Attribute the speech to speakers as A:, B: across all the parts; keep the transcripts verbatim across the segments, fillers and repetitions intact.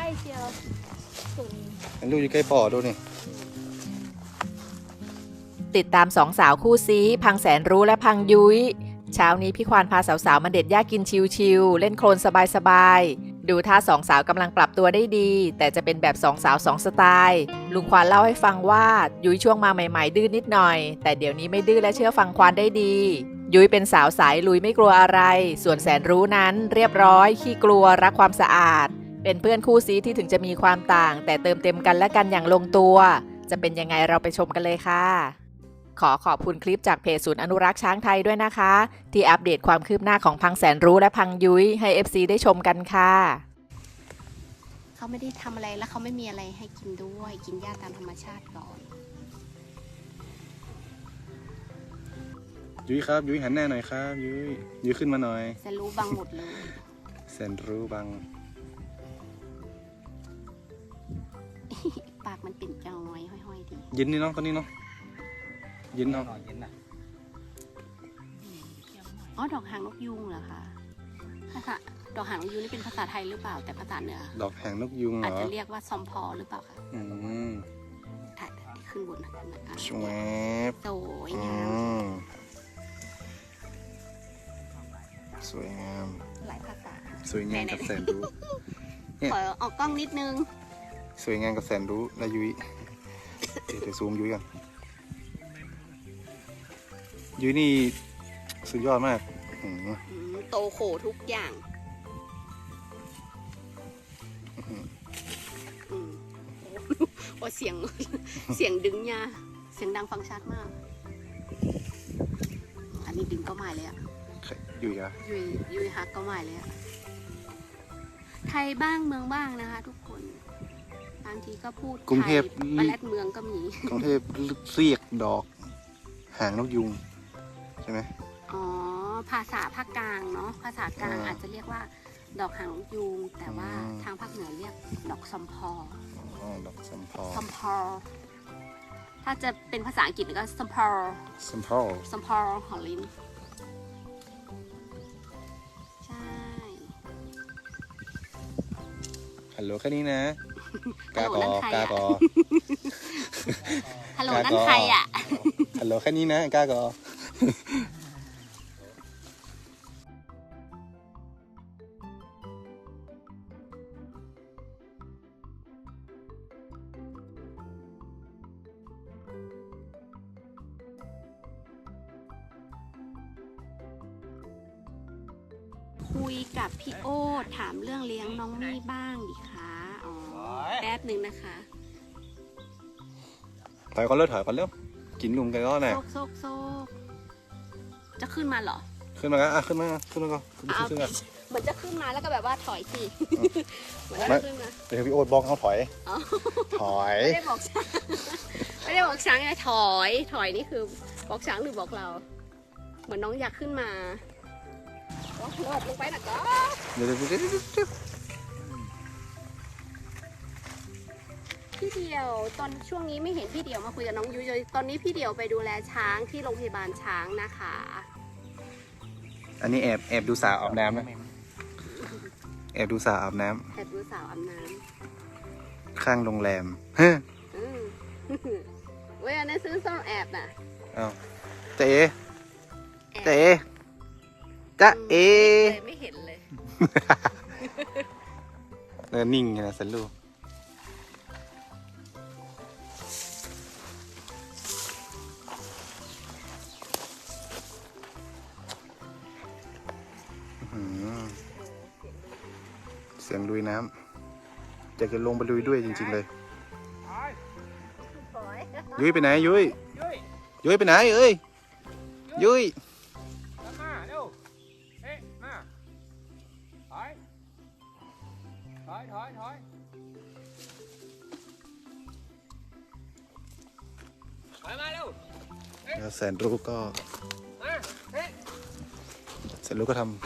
A: เชียวสูง
B: ลูกอยู่ใกล้ปอดูนี่
C: ติดตามสองสาวคู่ซีพังแสนรู้และพังยุ้ยเช้านี้พี่ควานพาสาวๆมาเด็ดหญ้ากินชิวๆเล่นโคลนสบายๆดูท่าสองสาวกำลังปรับตัวได้ดีแต่จะเป็นแบบสองสาวสองสไตล์ลุงควานเล่าให้ฟังว่ายุ้ยช่วงมาใหม่ๆดื้อนนิดหน่อยแต่เดี๋ยวนี้ไม่ดื้อและเชื่อฟังควานได้ดียุ้ยเป็นสาวสายลุยไม่กลัวอะไรส่วนแสนรู้นั้นเรียบร้อยขี้กลัวรักความสะอาดเป็นเพื่อนคู่ซีที่ถึงจะมีความต่างแต่เติมเต็มกันและกันอย่างลงตัวจะเป็นยังไงเราไปชมกันเลยค่ะขอขอบคุณคลิปจากเพจศูนย์อนุรักษ์ช้างไทยด้วยนะคะที่อัปเดตความคืบหน้าของพังแสนรู้และพังยุ้ยให้ เอฟ ซี ได้ชมกันค่ะ
A: เขาไม่ได้ทำอะไรแล้วเขาไม่มีอะไรให้กินด้วยกินหญ้าตามธรรมชาติก่อน
B: ยุ้ยครับยุ้ยหันหน้าหน่อยครับยุ้ยยุ้ยขึ้นมาหน่อย
A: แสนรู้บังหมดเลย
B: แสนรู้บัง
A: ปากมันเป็นจอยห้อยๆดี
B: ยินนี่เนาะคนนี้เนาะยินเนาะ
A: อ๋อดอกหางนกยูงเหรอคะภาษาดอกหางนกยูงนี่เป็นภาษาไทยหรือเปล่าแต่ภาษาเหนือ
B: ดอกหางนกยูงเหรอ
A: อาจจะเรียกว่าซอมพอหรือเปล่าคะ
B: อืม
A: ถ่ายขึ้นบนนะ
B: สวย
A: สวยงาม
B: สวยงาม
A: หลายภาษา
B: สวยงามกับแสนรู้
A: ขอออกกล้องนิดนึง
B: สวยงามกับแสนรู้และยุ้ยเดี๋ยวซูมยุ้ยกันยุ้ยนี่สุดยอดมาก
A: โตโขทุกอย่างโอ้เสียงเสียงดึงยาเสียงดังฟังชัดมากอันนี้ดึงก็ไม่เลยอะ
B: ยุ้ยอะ
A: ยุ้ยยุ้ยฮักก็ไม่เลยอะไทยบ้างเมืองบ้างนะคะทุกคนบางทีก็พูด
B: กรุงเทพ
A: ปลาแรดเมืองก็มี
B: กรุงเทพเรียกดอกหางนกยูงใช่ไหม
A: อ๋อภาษาภาคกลางเนาะภาษากลางอาจจะเรียกว่าดอกหางนกยูงแต่ว่าทางภาคเหนือเรียกดอกซอมพอ
B: อ๋อดอกซอมพอ
A: ซอมพอถ้าจะเป็นภาษาอังกฤษก็ซอมพอ
B: ซอมพอ
A: ซอมพอหอลินใช่
B: ฮัลโหลแค่นี้นะกากอกากอ
A: ฮัลโหลนั่นใครอ่ะ
B: ฮัลโหลแค่นี้นะกากอ
A: คุยกับพี่โอ๊ตถามเรื่องเลี้ยงน้องมี่บ้างดิคะอ๋อแป๊บหนึ่งนะคะ
B: ถอยก่อนเร็วถอยก่อนเร็วกินลุงกันก็หน่อย
A: โซกโซกโซกจะขึ้นมาเหรอ
B: ขึ้นมากันอ่ะขึ้นมาขึ้นมาก่อนขึ้นมา
A: เหมือนจะขึ้นมาแล้วก็แบบว่าถอยสิเหมือนจะขึ้นมา
B: เดี๋ยวพี่โอ๊ตบอกเขาถอยถอย
A: ไม่ได้บอกช้างไม่ได้บอกช้างไงถอยถอยนี่คือบอกช้างหรือบอกเราเหมือนน้องอยากขึ้นมาโอ้โหลงไปนะก็
B: เดี๋ยวเดี๋ยวเดี๋ยว
A: พี่เดียวตอนช่วงนี้ไม่เห็นพี่เดียวมาคุยกับน้องยุ้ยเลยตอนนี้พี่เดียวไปดูแลช้างที่โรงพยาบาลช้างนะคะ
B: อันนี้แอบแอบดูสาวอาบน้ำนะแอบดูสาวอาบน้
A: ำแอบดูสาวอาบน้
B: ำข้างโรงแรมเฮ้ย
A: เว้ยอันนั้นซื้อซ่องแอบน่ะ
B: อ้าวเจ๊เจ๊จ๊ะเอ
A: ไม่เห็นเลย
B: เออนิ่งนะสันลูกเสียงลุยน้ำอยากจะลงไปลุยด้วยจริงๆเลยยุ้ยไปไหนยุ้ยยุ้ยไปไหนเอ้ยยุ้ย
D: ถอยถอยถอยถอยมาเร็ว
B: แล้วแสนรู้ก็แสนรู้ก็ทำ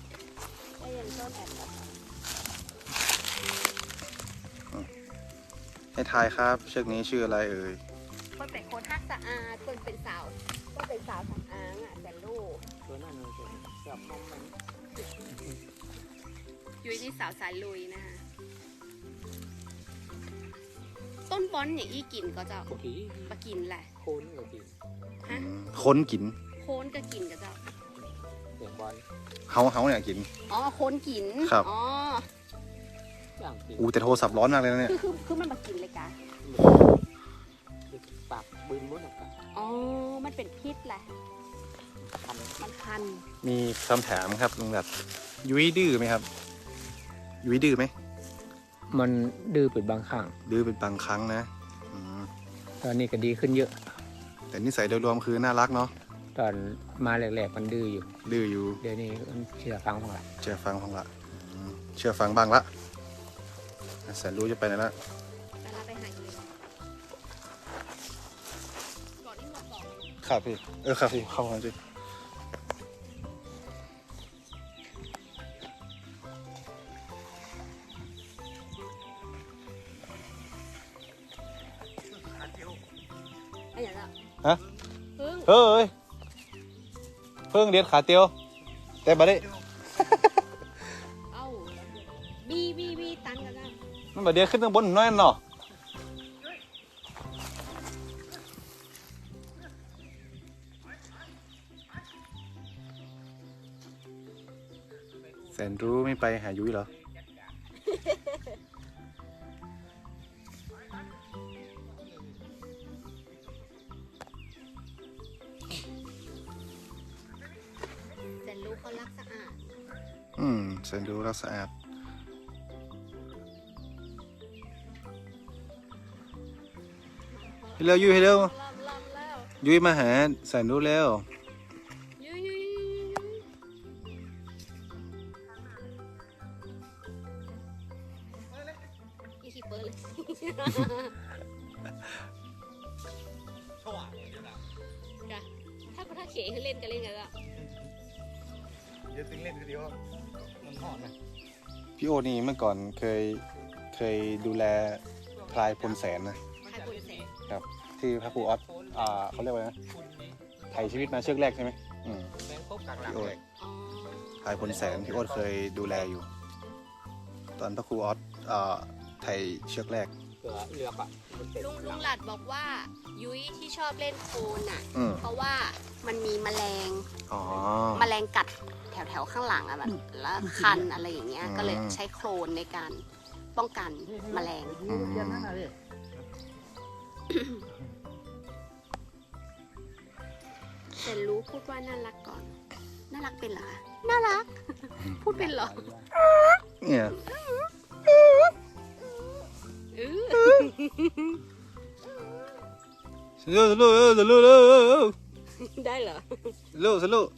B: ให้ทายครับเชือกนี้ชื่ออะไรเอ่ย
A: คนเป็นคนฮักสะอาดคนเป็นสาวก็เป็นสาวทำอ้างอ่ะแต่ลูกตัวนั้นเลยจับนมมันยุ้ยนี่สาวสายลุยนะคะนบอลอย่างอี้กินก็เจ้า
D: โอเค
A: มากินแหละ
D: โคนก็กิน
A: ฮะ
B: ค้นกิน
A: โคนก็กินก็เจ้า
D: เสียงบอล
B: เฮาเฮาเนี่ยกิน
A: อ๋อโคนกิน
B: ครับ
A: อ๋อ
D: อย่างกิน
B: อู้แต่โทรศัพท์ร้อนมากเลยนะเนี่ย
A: คือคือคือมันมากินเลยกะ
D: ปากบึนมุดออกไป
A: อ๋อมันเป็นพิษแหละมันคัน
B: มีคำถามครับลุงดัดยุ้ยดื้อไหมครับ ยุ้ยดื้อไหม
D: มันดื้อเป็นบางครั้ง
B: ดื้อเป็นบางครั้งนะอืม
D: ตอนนี้ก็ดีขึ้นเยอะ
B: แต่นิสัยโดยรวมคือน่ารักเนาะ
D: ตอนมาแรกๆมันดื้ออยู่
B: ดื้ออยู่
D: เดี๋ยวนี้มันเชื่อฟังของเรา
B: เชื่อฟังของละอืมเชื่อฟังบ้างละแสนรู้จะไปไหนละ
A: เวลาไปหาอยู่ก่อนที่หมดบอก
B: ครับพี่เออครับพี่เข้ามาสิ
A: ไอ้อย่างละ
B: ฮะ
A: พึ่ง
B: เฮ้ยเพิ่งเรียนขาเตียว แต่บัดนี้
A: เอ้าบีบีบีตันกันนะ
B: มันบัดเดียวขึ้นข้างบนน้อยเนาะแสนรู้ไม่ไปหายุ้ยเหรอ
A: แสนรู้เขารักสะอาด
B: อืมแสนรู้รักสะอาดให้เร็วยุ้ยให้เร็ว
A: ลำลำแล้ว
B: ยุ้ยมาหาแสนรู้แล้ว
A: ยุยยุยยุยอีขี้เปิดเลยจ้ะถ้าถ้าเขให้เล่นกันเล่นกันละ
B: เดี๋ยวเล่นกันเดียวมันหอดนะพี่โอนี่เมื่อก่อนเคยเคยดูแลพลายพลแสนนะ
A: ใครปวดแสบ
B: ครับ ที่พระครูออสอ่าเขาเรียกว่าไงนะไถ่ชีวิตมาเชือกแรกใช่ไหมอืม
D: แมงคบกลางหลัง
B: พี่โอ
D: เลย
A: อ๋อ
B: พลายพลแสนพี่โอเคยดูแลอยู่ ตอนพระครูออสอ่าไถ่เชือกแรก
D: เสือเลือกอ่ะมันเป็น
A: ลุงลุงหลัดบอกว่า ยุ้ยที่ชอบเล่นโคลนอ่ะ
B: อืม
A: เพราะว่ามันมีแมลง
B: อ๋อ
A: แมลงกัดแถวแถวๆข้างหลังอะแบบแล้วคันอะไรอย่างเงี้ย
B: อืม
A: ก็เลยใช้โคลนในการป้องกันแมลง
B: อืม
A: แต่รู้พูดว่าน่ารักก่อน น่ารักเป็นเหรอคะน่ารัก พูดเป็นเหรอ
B: เนี่ย
A: เออ
B: สนุกสนุกสนุกสนุก
A: ได้เหรอ
B: สนุกสนุก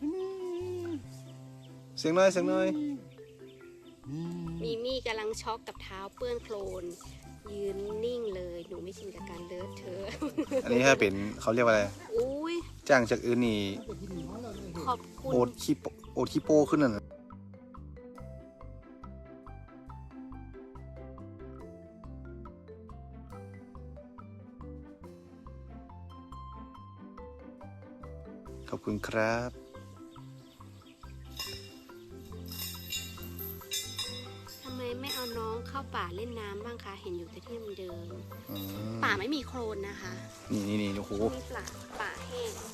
B: เสียงหน่อยเสียงหน่อย
A: มีมี่กำลังช็อกกับเท้าเปื้อนโคลน ยืนนิ่งเลย หนูไม่ชินกับการเลอะเทอะ
B: อันนี้ถ้าเป็นเขาเรียกว่าอะไร
A: อุ้ย
B: จ้างจากอื่นนี่
A: ขอบคุณ
B: โอดขี้โปโอดขี้โป้ขึ้นน่ะนะขอบคุณครับ
A: ทำไมไม่เอาน้องเข้าป่าเล่นน้ำบ้างคะ เห็นอยู่แต่ที่เดิม
B: อืม
A: ป่าไม่มีโคลนนะคะ
B: นี่นี่นี่โอ้โห
A: มีป่าป่าแห้ง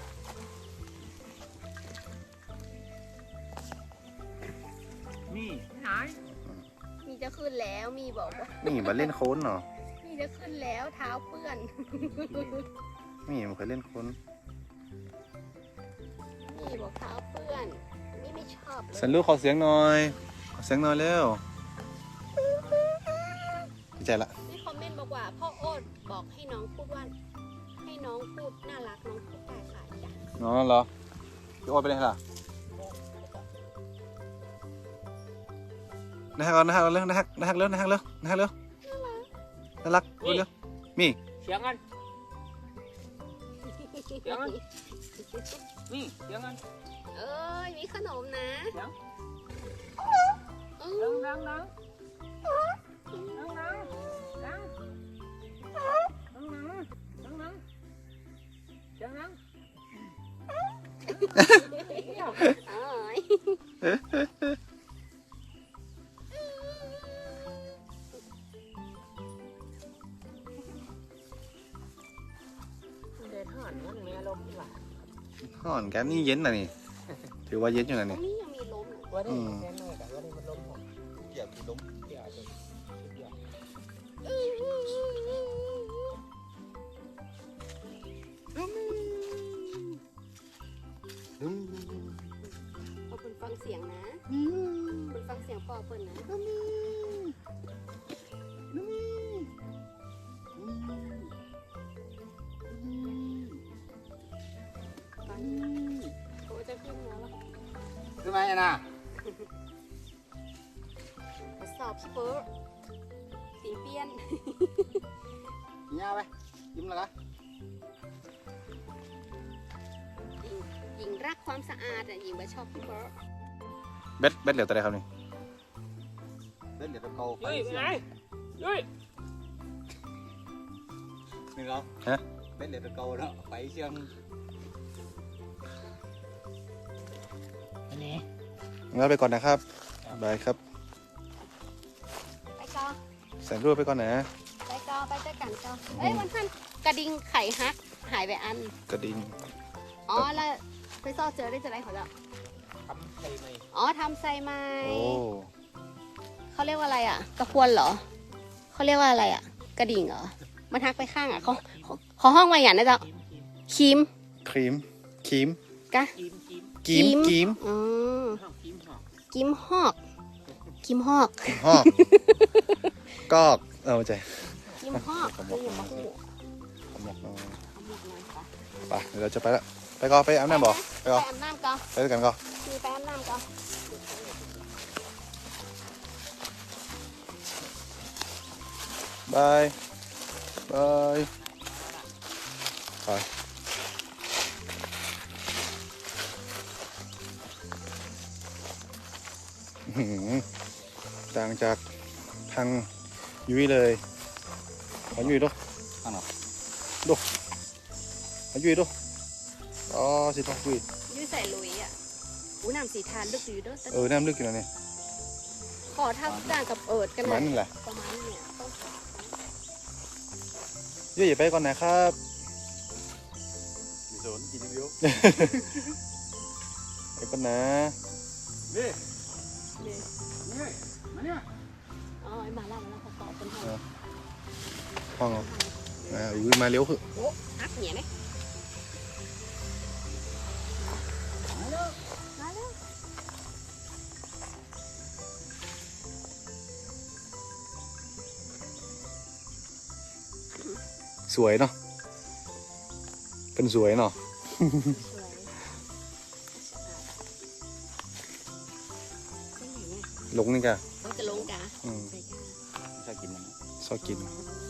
D: นี่ไหน
A: มีจะขึ้นแล้วมีบอกว่า
B: นี่มาเล่นโค้นเนาะ
A: มีจะขึ้นแล้วเท้าเปื้อน
B: นี่มันเคยเล่นโค้น
A: มีบอกเท้าเปื้อนนี่ไม่ชอบเล
B: สัน
A: ย
B: ลูกขอเสียงหน่อยขอเสียงหน่อยเร็วดีใจละ
A: มีคอมเมนต์บอกว่าพ่อโอ๊ตบอกให้น้องพูดว่า ให้น้องพูดน่ารักน้องพูดได้ค่ะจ้ะ
B: น้องเหรอพี่โอ๊ตไปเลยล่ะนะฮะก่อนนะฮะก่อนเร็วนะฮะนะฮะเร็วนะฮะเร็วนะฮะเร็วน่ารักเร็วมี
D: เสียงกันเสียงกันนี่เสียงกัน
A: เอ้ยมีขนมนะ
D: เสียง
A: อื
D: ดัง
A: ม
D: ดังดังดังดังดังดังดังดังดังเสียงดัง
A: เอ้ย
B: นี่เย็นนะนี่ถือว่าเย็นอยู่นะ
A: ตร
B: นี่
A: งนี้ยังมีลมนะ
D: ว่าได้แค่น้อยแต่ว่าได้มันล้มผม
B: เกี่ยวกับล้ม
D: เกี่ยวกับเกี่ยว
A: พอเปิ่นฟังเสียงนะเปิ่นฟังเสียงพ่อเปิ่นนะฟังเขาจะขึ้นแล้วล่ะ
B: ทำไมนะ
A: ทดสอบสเปอร์ตีนเปี้ยน
B: ยาวไปยิ้มแล้วกัน
A: หญิงหญิงรักความสะอาดอ่ะหญิงไม่ชอบสเปอร์
B: เบ็ดเบ็ดเหลือตัวใดครับนี่เบ็ดเหลือตัวเก่า
D: ยุ้ยไปไหนยุ้ย
B: นี่เหรอฮะเบ็ดเหลือตัวเก่าแล้วไปเชียง
D: อันนี้
B: งั้นไปก่อนนะครับบายครับ
A: ไปก่อน
B: แสนรู้ไปก่อนนะ
A: ไปก่อนไปเจอกันก่อนเอ้ยวันท่านกระดิ่งไข่ฮักหายไปอัน
B: กระดิ่ง
A: อ๋อแล้วไปซ่อเจอได้จะไรเขาแล้ว
D: ทำใส่ไหม
A: อ๋อทำไซไม้
B: โอ้
A: เขาเรียกว่าอะไรอ่ะ กระพวนเหรอเขาเรียกว่าอะไรอ่ะ กระดิ่งเหรอมันทักไปข้างอ่ะเขาเขาเขาห้องมาอย่างนั้นจ้ะ
D: คิมคิม
A: ครีม
B: ครีมครีม
A: กะ
D: คิมคิม
B: กีมกีม
A: อืม
D: ห้องคิมห้อง
A: กิมฮอกกิมฮอก
B: ฮอกกอกเอาใจ
A: กิมฮอกคืออย่างมะฮู้
B: ขมกน้อย
A: เอาหมดเลยค่ะ
B: ไปเดี๋ยวเราจะไปละไปก่อนไปอาบน้ำบ่ไป
A: ไป
B: ก่อน
A: อาบน้ำก่อน
B: ไปด้วยกันก่อน
A: มีไปอาบน้ำก่อน
B: บายบายไปอื้อหือต่างจากทางยุ้ยเลยขอยุ้ยดูอันหรอดูขอยุ้ยดูอ๋อสิต้องยุ้ย
A: ยืดใส่ลุยอ่ะอู้น้ำสีทานลึกอยู่เด้วย
B: เออน้ำลึกอยู่แล้วนี่
A: ขอทับต่างกับเอิดกัน
B: ประมาณ
A: นะ
B: นั่นแหละ
A: ประมาณเนี่ยต้อง
B: ยุ้ยอย่าไปก่อนนะครับมีโซนกินวิวไปก่อนนะนี่
A: เนี่ย
B: นี่มาเนี่ย
A: อ๋อไอ้มาแล้วมาแล้วเขาตอบเป็นห้อง
B: ห้องเหรออ่าอุ้ยมาเร็วคือ
A: โอ้ฮักเนี่ยไหมมาแล้วมาแล้ว
B: สวยเนาะเป็นสวยเนาะ
A: สวยเป็นไงเนี่ย
B: ลงนี่กะ
A: เราจะลงกะ
B: อืม
A: ใส่กะ
B: ชอบกินมันชอบกิน
A: อ๋อ